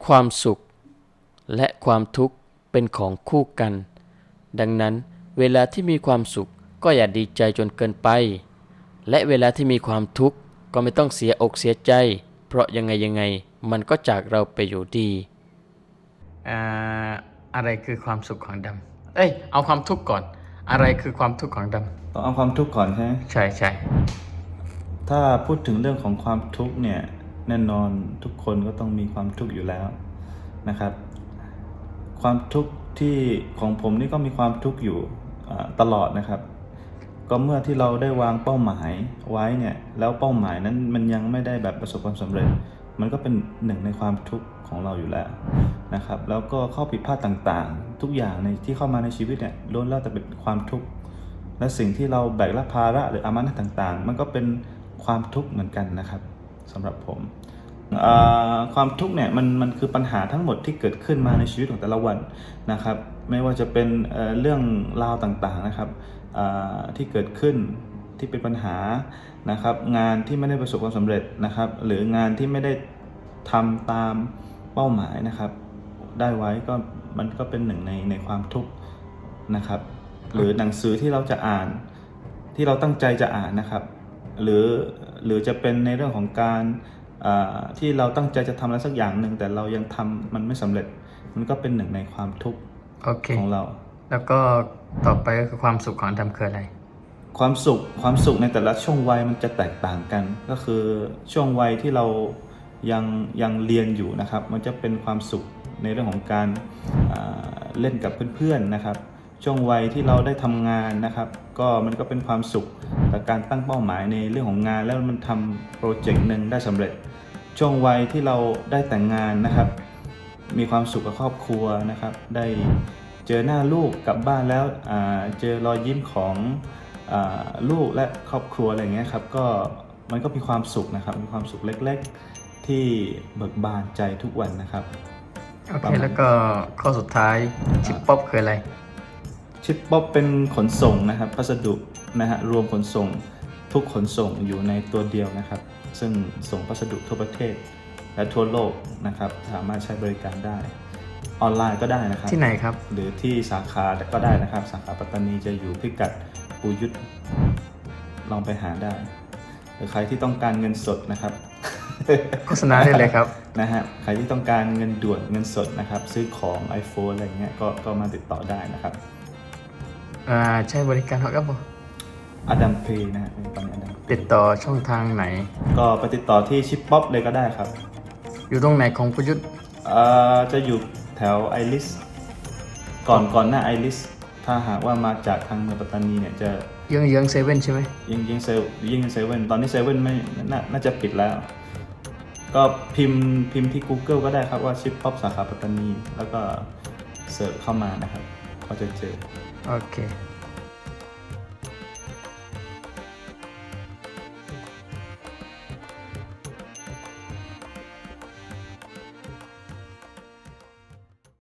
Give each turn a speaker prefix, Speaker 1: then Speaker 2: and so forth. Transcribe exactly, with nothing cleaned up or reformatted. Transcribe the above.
Speaker 1: ความสุขและความทุกข์เป็นของคู่กัน ดังนั้นเวลาที่มีความสุขก็อย่าดีใจจนเกินไป และเวลาที่มีความทุกข์ก็ไม่ต้องเสียอกเสียใจ เพราะยังไงยังไงมันก็จากเราไปอยู่ดีอ่าอะไรคือความสุขของดำเอ้ยเอาความทุกข์ก่อน อะไรคือความทุกข์ของดำ
Speaker 2: ต้องเอาความทุกข์ก่อนใช่ไหม
Speaker 1: ใช่ใช่
Speaker 2: ถ้าพูดถึงเรื่องของความทุกข์เนี่ยแน่นอนทุกคนก็ต้องมีความทุกข์อยู่แล้วนะครับ ความทุกข์ที่ของผมนี่ก็มีความทุกข์อยู่ตลอดนะครับ ก็เมื่อที่เราได้วางเป้าหมายไว้เนี่ยแล้วเป้าหมายนั้นมันยังไม่ได้แบบประสบความสำเร็จ มันก็เป็นหนึ่งในความทุกข์ของเราอยู่แล้วนะครับ แล้วก็ข้อผิดพลาดต่างๆ ทุกอย่างในที่เข้ามาในชีวิตเนี่ยล้วนแล้วแต่เป็นความทุกข์และสิ่งที่เราแบกรับภาระหรืออามานะต่างๆ มันก็เป็นความทุกข์เหมือนกันนะครับสำหรับผมความทุกข์เนี่ยมันมันคือปัญหาทั้งหมดที่เกิดขึ้นมาในชีวิตของแต่ละวันนะครับไม่ว่าจะเป็นเเรื่องราวต่างๆนะครับที่เกิดขึ้นที่เป็นปัญหานะครับงานที่ไม่ได้ประสบความสำเร็จนะครับหรืองานที่ไม่ได้ทำตามเป้าหมายนะครับได้ไว้ก็มันก็เป็นหนึ่งในในความทุกข์นะครับหรือหนังสือที่เราจะอ่านที่เราตั้งใจจะอ่านนะครับหรือหรือจะเป็นในเรื่องของการที่เราตั้งใจจะทำอะไรสักอย่างหนึ่งแต่เรายังทำมันไม่สำเร็จมันก็เป็นหนึ่งในความทุกข์ของเรา
Speaker 1: แล้วก็ต่อไปก็คือความสุขของดำคืออะไร
Speaker 2: ความสุขความสุขในแต่ละช่วงวัยมันจะแตกต่างกันก็คือช่วงวัยที่เรายังยังเรียนอยู่นะครับมันจะเป็นความสุขในเรื่องของการเล่นกับเพื่อนๆนะครับช่วงวัยที่เราได้ทำงานนะครับก็มันก็เป็นความสุขกับการตั้งเป้าหมายในเรื่องของงานแล้วมันทำโปรเจกต์หนึ่งได้สำเร็จช่วงวัยที่เราได้แต่งงานนะครับมีความสุขกับครอบครัวนะครับได้เจอหน้าลูกกลับบ้านแล้วเจอรอยยิ้มของลูกและครอบครัวอะไรเงี้ยครับก็มันก็มีความสุขนะครับมีความสุขเล็กๆที่เบิกบานใจทุกวันนะครับ
Speaker 1: โอเคแล้วก็ข้อสุดท้ายชิปป๊อปคืออะไร
Speaker 2: ชิปป๊อปเป็นขนส่งนะครับพัสดุนะฮะรวมขนส่งทุกขนส่งอยู่ในตัวเดียวนะครับซึ่งส่งพัสดุทั่วประเทศและทั่วโลกนะครับสามารถใช้บริการได้ออนไลน์ก็ได้นะครับ
Speaker 1: ที่ไหนครับ
Speaker 2: หรือที่สาขาก็ได้นะครับสาขาปัตตานีจะอยู่พิกัดปูยุทธลองไปหาได้หรือใครที่ต้องการเงินสดนะครับ
Speaker 1: โฆษณาได้เลยครับ
Speaker 2: นะฮะใครที่ต้องการเงินด่วนเงินสดนะครับซื้อของ iPhone อะไรเงี้ยก็ก็มาติดต่อได้นะครับ
Speaker 1: อ่าใช้บริการเขาครับผม
Speaker 2: อดัมเพย์นะฮะตอนนี้อดัม
Speaker 1: ติดต่อช่องทางไหน
Speaker 2: ก็ไปติดต่อที่ชิปป๊อปเลยก็ได้ครับ
Speaker 1: อยู่ตรงไหนของประยุทธ์
Speaker 2: เอ่อจะอยู่แถวไอริสก่อนก่อนหน้าไอริสถ้าหากว่ามาจากทางเมืองปัตตานีเนี่ยจะ
Speaker 1: เยื้องเยื้องเซเว่นใช่ไหม
Speaker 2: ยังยังเซยังเซเว่นตอนนี้เซเว่นไม่น่าน่าจะปิดแล้วก็พิมพ์พิมพ์ที่ Google ก็ได้ครับว่าชิปป๊อปสาขาปัตตานีแล้วก็เสิร์ชเข้ามานะครับก็จะเจอ
Speaker 1: โอเค